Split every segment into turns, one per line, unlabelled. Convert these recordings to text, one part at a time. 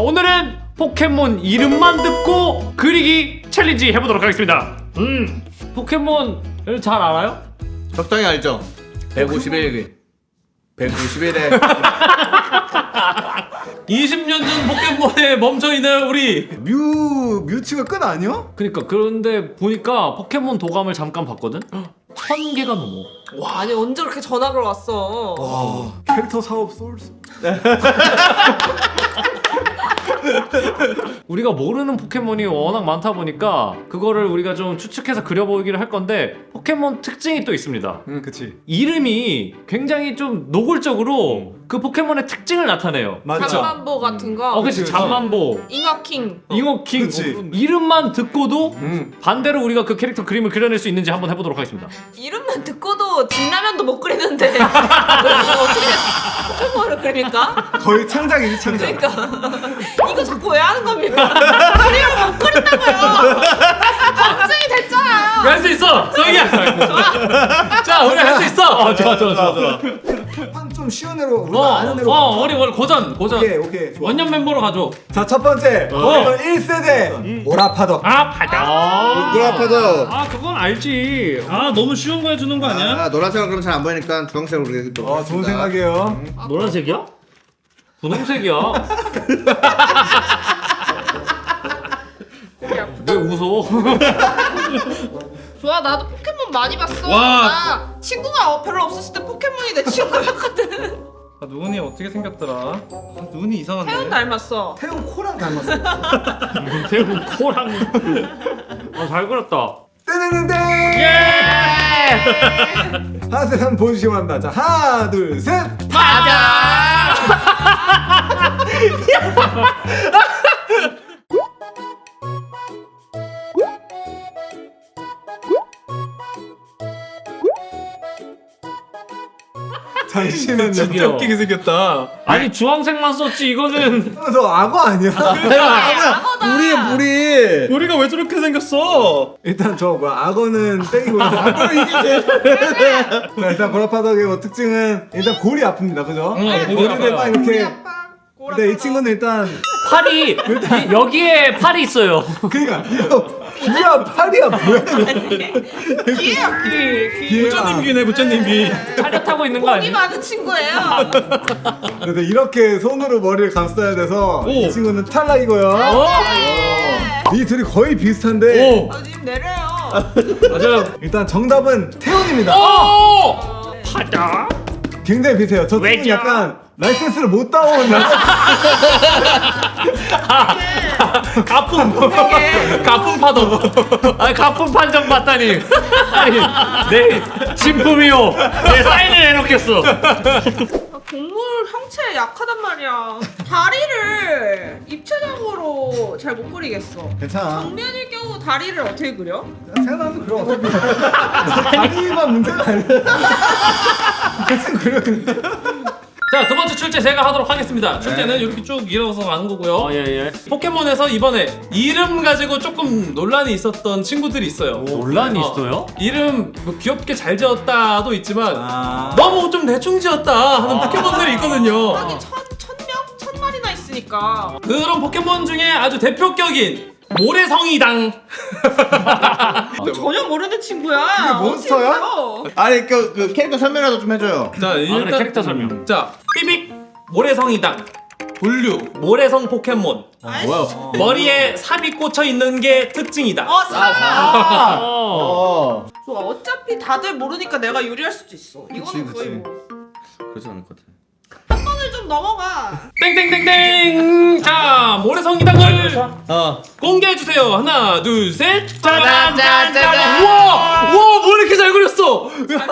오늘은 포켓몬 이름만 듣고 그리기 챌린지 해보도록 하겠습니다. 포켓몬을 잘 알아요?
적당히 알죠? 151개 151회
20년 전 포켓몬에 멈춰있는 우리
뮤츠가 끝 아니야?
그니까 그런데 보니까 포켓몬 도감을 잠깐 봤거든? 1000개가 넘어.
아니 언제 그렇게 전학을 왔어?
와 캐릭터 사업 소울스.
우리가 모르는 포켓몬이 워낙 많다 보니까 그거를 우리가 좀 추측해서 그려보기를 할 건데 포켓몬 특징이 또 있습니다.
그치.
이름이 굉장히 좀 노골적으로 그 포켓몬의 특징을 나타내요.
맞죠.
잠만보 같은 거.
그치.
그치.
잠만보,
잉어킹.
잉어킹.
그치.
이름만 듣고도
응.
반대로 우리가 그 캐릭터 그림을 그려낼 수 있는지 한번 해보도록 하겠습니다.
이름만 듣고도 진라면도 못 그리는데 어떻게 포켓몬을 그립니까?
거의 창작이지 창작.
그러니까 이거 자꾸 왜 하는 겁니까? 그림을 못 그린다고요. 걱정이 됐잖아요.
할 수 있어! 성희야! 자 우리 할 수 있어!
좋아.
좀 쉬운 애로 우리가 아는 애로.
우리 고전
오케이. 좋아.
원년 멤버로 가죠.
자 첫 번째 포켓몬 1세대 오라파덕.
바다.
노랗파도
그건 알지.
너무 쉬운 거 해주는 거 아니야?
노란색은 그럼 잘 안 보이니까 주황색으로 그리도록
좋은 생각이에요.
노란색이야? 분홍색이야. 왜 웃어?
좋아 나도 포켓몬 많이 봤어.
와.
나 친구가 별로 없었을 때 포켓몬이 내 친구였거든.
눈이 어떻게 생겼더라? 눈이 이상한데?
태연 닮았어.
태용 코랑 닮았어.
대구 코랑. 잘 그렸다.
떼네네네.
예!
하나씩 한번 보여주시기 바랍니다. 자 하나 둘 셋. 잠시만요.
진짜 웃기게 생겼다.
아니 주황색만 썼지 이거는.
저 악어 아니야?
우리
우리가 왜 저렇게 생겼어?
일단 저 뭐야 악어는 땡이고 악어를 이기지. 자 일단 고라파덕의 뭐 특징은 일단 골이 아픕니다, 그죠?
골이
골이 딱 이렇게.
꼬라
근데 이 친구는 일단
팔이 여기에 팔이 있어요.
그러니까 이거 귀야 팔이야 뭐야?
부처님 귀네 부처님 귀.
차렷하고 있는 거
돈이
아니야?
많은 친구예요.
그래서 이렇게 손으로 머리를 감싸야 돼서 이 친구는 탈락이고요. 이 둘이 거의 비슷한데
님 내려요.
맞아요.
일단 정답은 태훈입니다.
파다.
굉장히 비슷해요. 저 친구는
왜죠?
약간 라이센스를 못 따온
가품 파도. 아니 가품 판정 받다니. 아니 내 진품이요. 내 사인을 해놓겠어.
동물 형체에 약하단 말이야. 다리를 입체적으로 잘 못 그리겠어.
괜찮아.
정면일 경우 다리를 어떻게 그려?
생각나도 그럼 어차피 다리만 문제가 아니야. 대충 그려는데.
자, 두 번째 출제 제가 하도록 하겠습니다. 출제는 이렇게 쭉 이어서 가는 거고요.
예.
포켓몬에서 이번에 이름 가지고 조금 논란이 있었던 친구들이 있어요.
논란이 있어요?
이름 뭐 귀엽게 잘 지었다도 있지만
아.
너무 좀 대충 지었다 하는 포켓몬들이 있거든요.
하긴 천 마리나 있으니까.
그런 포켓몬 중에 아주 대표격인 모래성이당.
전혀 모르는 친구야.
그게 몬스터야?
어떻게 그려?
아니 그 캐릭터 설명이라도 좀 해줘요.
자, 일단
그래, 캐릭터 설명.
자, 삐빅 모래성이당. 분류 모래성 포켓몬.
뭐야?
머리에 삽이 꽂혀 있는 게 특징이다.
좋아. 어차피 다들 모르니까 내가 유리할 수도 있어. 이거는 거의 뭐.
그렇지 않을 것 같아.
한 번을 좀 넘어가.
땡땡땡땡. 자, 모래성이당을 공개해 주세요. 하나, 둘, 셋. 짜잔, 짜잔. 우와, 뭐 이렇게 잘 그렸어?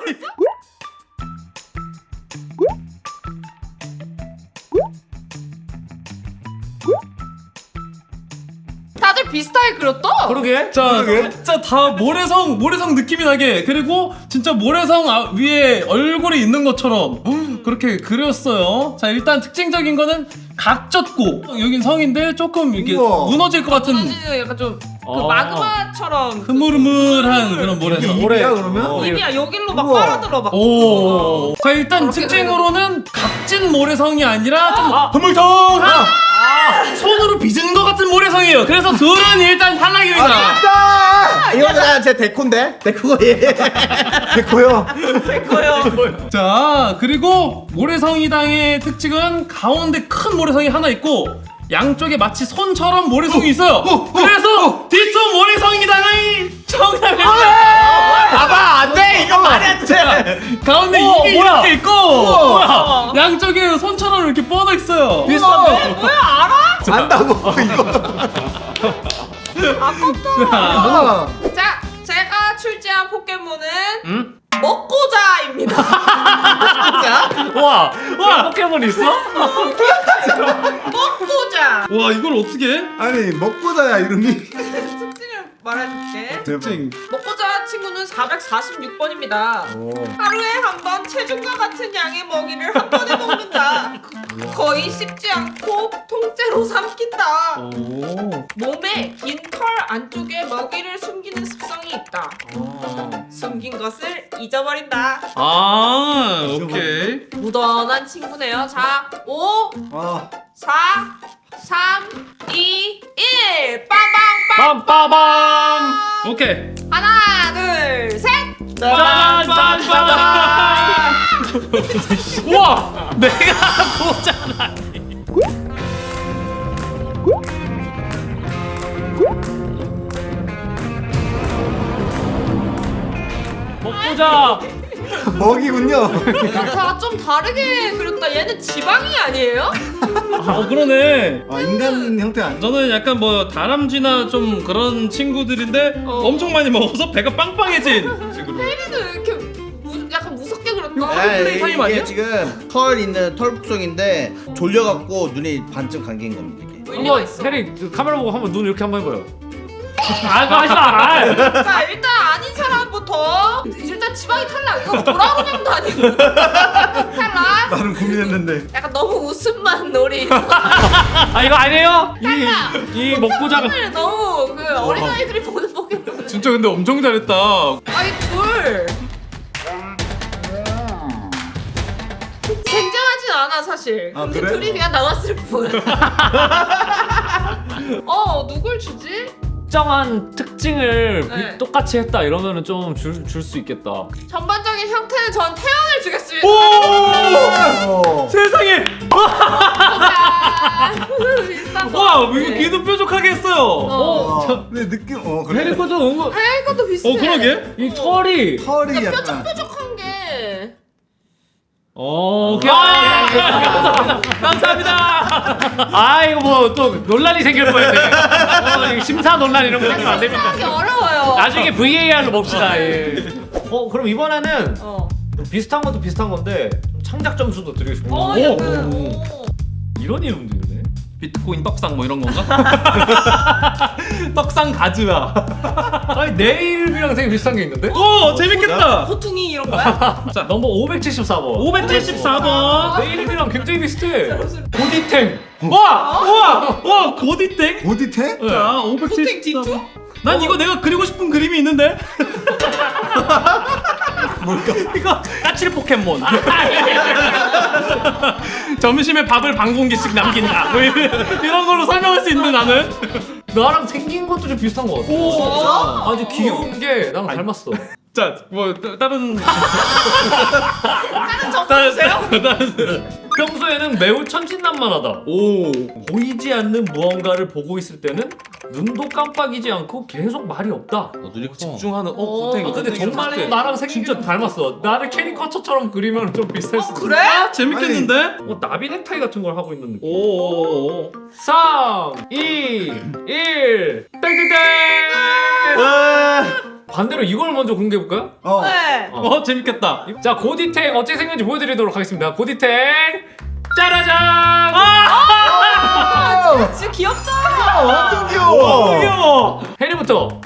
다들 비슷하게 그렸다.
그러게.
자, 진짜 다 모래성 느낌이 나게, 그리고 진짜 모래성 위에 얼굴이 있는 것처럼 그렇게 그렸어요. 자, 일단 특징적인 거는 각졌고 여긴 성인데 조금 이렇게
우와.
무너질 것 같은.
사진은 약간 좀 마그마처럼
흐물흐물한 그런 모래성.
입이야 그러면?
입이야 여길로 막
우와.
빨아들어 막.
오. 자 일단
저렇게
특징으로는 각진 모래성이 아니라 좀 흐물텅한 손으로 빚은 것 같은 모래성이에요. 그래서 둘은 일단 탈락입니다.
이거 그냥 제 데코인데? 데코가 얘.
됐고요.
됐고요.
자 그리고 모래성이당의 특징은 가운데 큰 모래성이 하나 있고 양쪽에 마치 손처럼 모래성이 있어요. 그래서 뒤쪽 모래성이당의 정답입니다.
봐봐 안돼 이거 말이 안 돼.
가운데 입이 이렇게 있고 뭐야? 양쪽에 손처럼 이렇게 뻗어 있어요. 비슷한데?
뭐야 알아?
안다고 이거.
아깝다. 자 제가 출제한 포켓몬은 먹고자입니다.
와 포켓몬 있어?
먹고자.
와 이걸 어떻게 해?
아니 먹고자야 이름이.
특징을 말해줄게.
특징.
먹고자 친구는 446번입니다. 하루에 한 번 체중과 같은 양의 먹이를 한 번에 먹는다. 거의 씹지 않고 통째로 삼킨다. 몸에 긴 털 안쪽에 먹이를 숨기는 습성이 있다. 숨긴 것을 잊어버린다.
아 오케이.
무던한 친구네요. 자, 5,
아
4, 3, 2, 1. 빵빵빵.
빰빠밤.
오케이.
하나, 둘, 셋.
짠짠짠. 우와 내가 보잖아. 먹보자.
먹이군요.
다 좀 다르게 그렸다. 얘는 지방이 아니에요?
그러네.
아 인간 형태 아니야?
저는 약간 뭐 다람쥐나 좀 그런 친구들인데 엄청 많이 먹어서 배가 빵빵해진 친구들.
혜리도 이렇게 약간 무섭게 그렸다.
플레이 타임 아니야?
이게 지금 털 있는 털 북성인데 졸려갖고 눈이 반쯤 감긴 겁니다. 이게.
의미가
한번
있어.
해리 카메라 보고 한번 눈 이렇게 한번 해봐요. 아 그거 하지 마.
자, 일단 아닌 사람부터 일단 지방이 탈락. 이거 도라로냥도 아니고 탈락.
나는 고민했는데.
약간 너무 웃음만 놀이.
아 이거 아니에요? 이 먹보자가
오늘 너무 그 어린아이들이 보는 포켓몬.
진짜 근데 엄청 잘했다.
아이 둘 굉장하진 않아 사실.
아,
근데
그래?
둘이 그냥 나왔을 뿐. 누굴 주지?
특정한 특징을
네.
똑같이 했다 이러면은 좀 줄 수 있겠다.
전반적인 형태는 전 태양을 주겠습니다.
오.
세상에.
비슷한 거.
와 이거 귀도 뾰족하게 했어요.
와, 근데 느낌 그래.
해리 것도 은근
하얀 것도 비슷해.
그러게.
이 털이
털이 약간.
뾰족뾰족한 게.
오케이.
감사합니다.
아 이거 뭐 또 논란이 생길 뻔했네. 이거 심사 논란 이런 거 생기면 안 됩니다.
하기 어려워요.
나중에 VAR로 봅시다. 예. 그럼 이번에는
어.
비슷한 것도 비슷한 건데 좀 창작 점수도 드리고 싶어요.
약간.
이런 이름도 있네.
비트코인 떡상 뭐 이런 건가? 떡상 가즈아.
아니 내 이름이랑 되게 비슷한 게 있는데?
오 재밌겠다.
호퉁이 이런 거야?
자 넘버 574번.
574번.
내 이름이랑 굉장히 비슷해. 고디탱.
와 고디땡.
고디테?
자
호퉁 디투?
574번. 난 이거 내가 그리고 싶은 그림이 있는데.
뭘까?
이거 까칠 포켓몬.
점심에 밥을 반 공기씩 남긴다. 뭐 이런 걸로 설명할 수 있는데 나는.
나랑 생긴 것도 좀 비슷한 것 같아.
오.
아주 귀여운 게 나랑 닮았어.
자 뭐 다른
다른 점수 주세요?
평소에는 매우 천진난만하다.
오.
보이지 않는 무언가를 보고 있을 때는 눈도 깜빡이지 않고 계속 말이 없다.
눈이 커.
집중하는
근데 정말 나랑 생긴 게 잘맞어. 나를 캐리커처처럼 그리면 좀 비슷할 수도 있어.
그래?
재밌겠는데?
나비 넥타이 같은 걸 하고 있는 느낌.
오.
3, 2, 1, 땡땡땡! 반대로 이걸 먼저 공개해볼까요?
네.
재밌겠다.
자, 고디탱 어떻게 생겼는지 보여드리도록 하겠습니다. 고디탱! 짜라잔!
진짜 귀엽다.
완전 귀여워.
귀여워.
해리부터!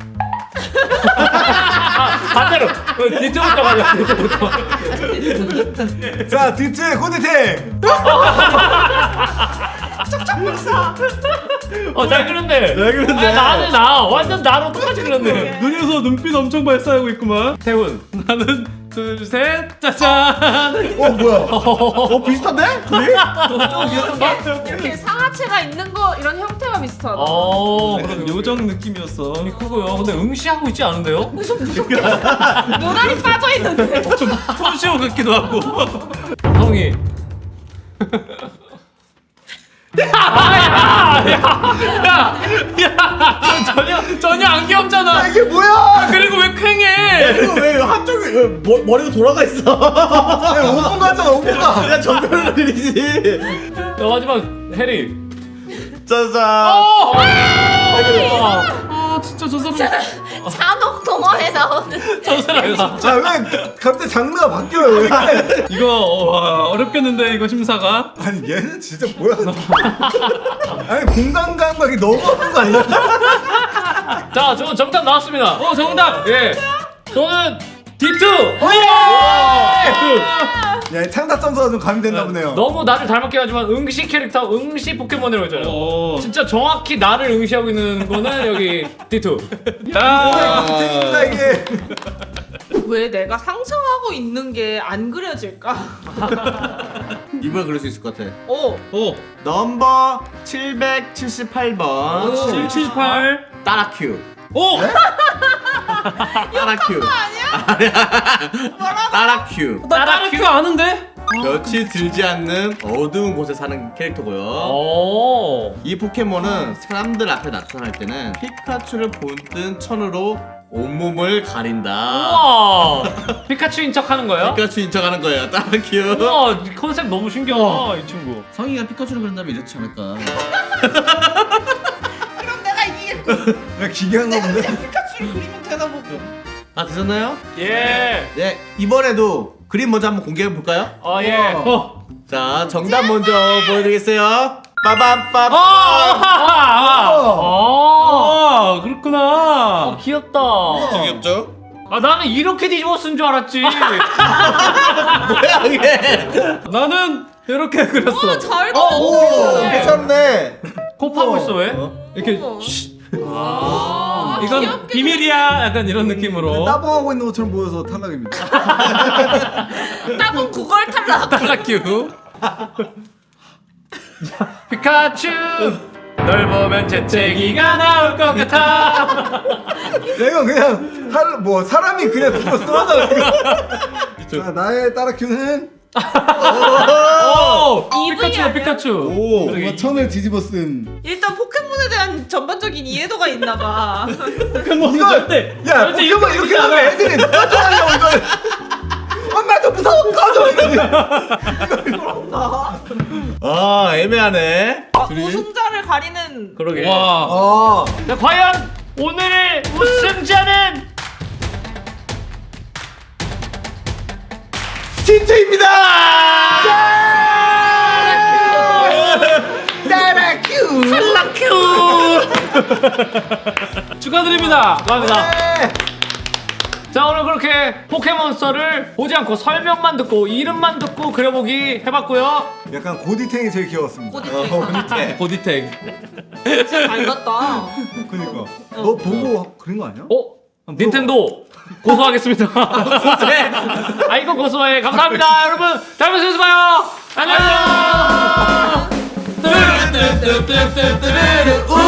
반대로! 뒤쪽부터 가자, 뒤쪽부터.
자 디트 고디테.
잘 그렸네.
잘 그렸네.
아니, 나는 완전 나랑 똑같이 그렸네.
눈에서 눈빛 엄청 발사하고 있구만.
태훈.
하나, 둘, 셋, 짜잔.
뭐야? 비슷한데? 둘이?
이렇게 상하체가 있는 거 이런 형태가 비슷하다.
그런 요정 느낌이었어.
크고요. 근데 응시하고 있지 않은데요?
눈알이 빠져 있는데.
좀 톤쇼 같기도 하고.
성이. 전혀 안 귀엽잖아.
이게 뭐야?
그리고 왜 퀭해?
이거 왜 한쪽이 왜 머리가 돌아가 있어? 5분 가잖아 5분 가. 그냥 정면을 그리지.
마지막 해리.
짜잔.
진짜 저 사람.
잔혹 동화에 나오는.
저 사람.
아왜 갑자기 장르가 바뀌어요 왜?
이거 어렵겠는데 이거 심사가.
아니 얘는 진짜 뭐야? 아니 공간 감각이 너무 없는 거 아니야?
자, 저 정답 나왔습니다.
정답.
예. 저는 D2.
야, 이 창작 점수가 좀 가미됐나 보네요.
너무 나를 닮았긴 하지만 응시 캐릭터, 응시 포켓몬이라고 했잖아요. 진짜 정확히 나를 응시하고 있는 거는 여기 D2.
야.
땡입니다 이게.
왜 내가 상상하고 있는 게 안 그려질까?
이번에 그릴 수 있을 것 같아.
오.
넘버 778번
778.
따라큐.
오.
따라큐. 따라큐.
나 따라큐 아는데?
며칠 들지 않는 어두운 곳에 사는 캐릭터고요.
오.
이 포켓몬은 사람들 앞에 나타날 때는 피카츄를 본뜬 천으로 온몸을 가린다.
우와. 피카츄인 척 하는 거예요?
피카츄인 척하는 거예요. 따라큐.
우와, 컨셉 너무 신기하다, 이 친구.
성희가 피카츄를 그린다면 이렇지 않을까.
그럼 내가 이게
야 기괴한가 본데.
피카츄를 그리면 되나 보고.
다 되셨나요?
예.
네, 이번에도 그림 먼저 한번 공개해 볼까요?
예.
자, 정답 먼저 보여드리겠어요. 빠밤빰.
그렇구나.
귀엽다.
귀엽죠?
나는 이렇게 뒤집어 쓴 줄 알았지.
뭐야 이게?
나는 이렇게 그렸어.
잘
오,
그렸어.
괜찮네.
코 파고 있어, 왜?
이렇게.
어머.
이건
귀엽게
비밀이야. 약간 이런 느낌으로.
따봉하고 있는 것처럼 보여서 탈락입니다.
따봉 9걸 탈락.
따라큐.
피카츄. 널 보면 재채기가 나올 것 같아.
내가 그냥 사람이 그냥 그거 쓰러져. 자 나의 따라큐는
피카츄야 피카츄.
오.
뭔가 천을 뒤집어 쓴.
일단 포켓몬에 대한 전반적인 이해도가 있나 봐.
포켓몬 절대.
야 포켓몬 이렇게 하면 애들이 꺼져하려고 이걸. 엄마 좀 무서워 꺼져 이러지.
아, 애매하네.
우승자를 가리는.
그러게.
와.
자, 과연 오늘의 우승자는
진트입니다. 따라큐.
축하드립니다.
감사합니다. 자, 오늘 그렇게 포켓몬스터를 보지 않고 설명만 듣고 이름만 듣고 그려보기 해봤고요.
약간 고디탱이 제일 귀여웠습니다.
꼬디탱.
고디텍.
진짜 잘 갔다.
그니까 너 보고 그린 거 아니야?
닌텐도 고소하겠습니다. 고소해. 이거 고소해. 감사합니다, 여러분. 다음에 또 봐요. 안녕.
우.